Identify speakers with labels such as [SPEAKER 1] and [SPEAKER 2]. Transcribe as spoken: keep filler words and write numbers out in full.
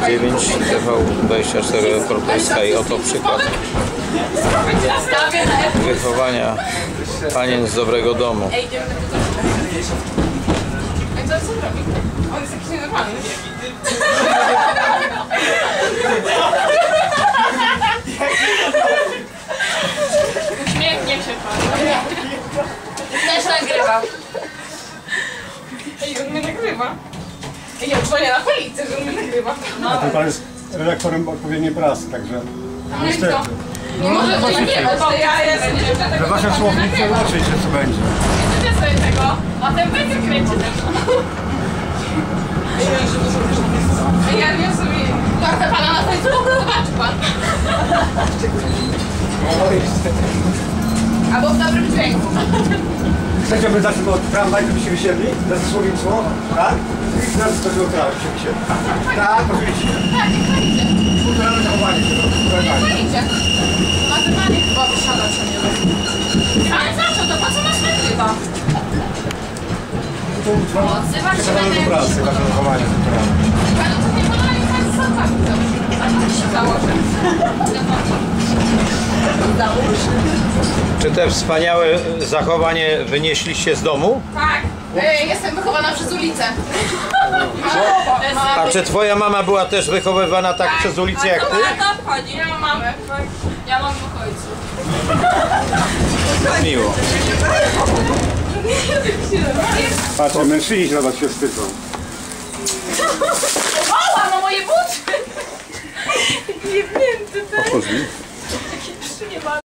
[SPEAKER 1] dziewięć T V dwadzieścia cztery Europejska i oto przykład wychowania panien z dobrego domu.
[SPEAKER 2] Co on robi? On jest jakiś nienormalny. Uśmiechnie się pan. Też nagrywał. Ej, on mnie nagrywa. Ej, ja dzwonię na policję, że on mnie nagrywa.
[SPEAKER 3] No. A ten pan jest redaktorem odpowiedniej prasy, także niestety.
[SPEAKER 2] Nie może to nie, bo ja jestem nie tego.
[SPEAKER 3] We waszym słowniku oczywiście co będzie.
[SPEAKER 2] Nie sobie tego, a ten będzie kręci też. Ja nie sobie. Tortę pana na Facebooku, zobaczy pan. Albo w dobrym dźwięku.
[SPEAKER 3] Chcecie, aby zaczęło od tramwaj, to by się wysiedli? Za słownictwo? Tak? I zaraz to było tramwaj, by się wysiedli. Tak, oczywiście.
[SPEAKER 2] Tak, nie chwalicie.
[SPEAKER 3] Kulturalne zachowanie się to.
[SPEAKER 2] Nie chwalicie. Nagrywanie chyba wysiada się nie robi. Ale za co? To po co masz nagrywa? Odzywa się
[SPEAKER 3] Przekonamy do pracy, wasze zachowanie kulturalne.
[SPEAKER 2] Ale to nie podali tak z sokami dobrze. A to się założę.
[SPEAKER 1] Czy te wspaniałe zachowanie wynieśliście z domu?
[SPEAKER 2] Tak. Ej, jestem wychowana przez ulicę.
[SPEAKER 1] A czy twoja mama była też wychowywana tak przez ulicę jak ty?
[SPEAKER 2] Tak, wchodzi. Ja mam mamę. Ja mam dwóch ojców.
[SPEAKER 1] Miło.
[SPEAKER 3] Patrzę, mężczyźni na was się wstydzą.
[SPEAKER 2] Mała, no moje buty! Nie wiem, ty też.
[SPEAKER 3] Otwórz mi.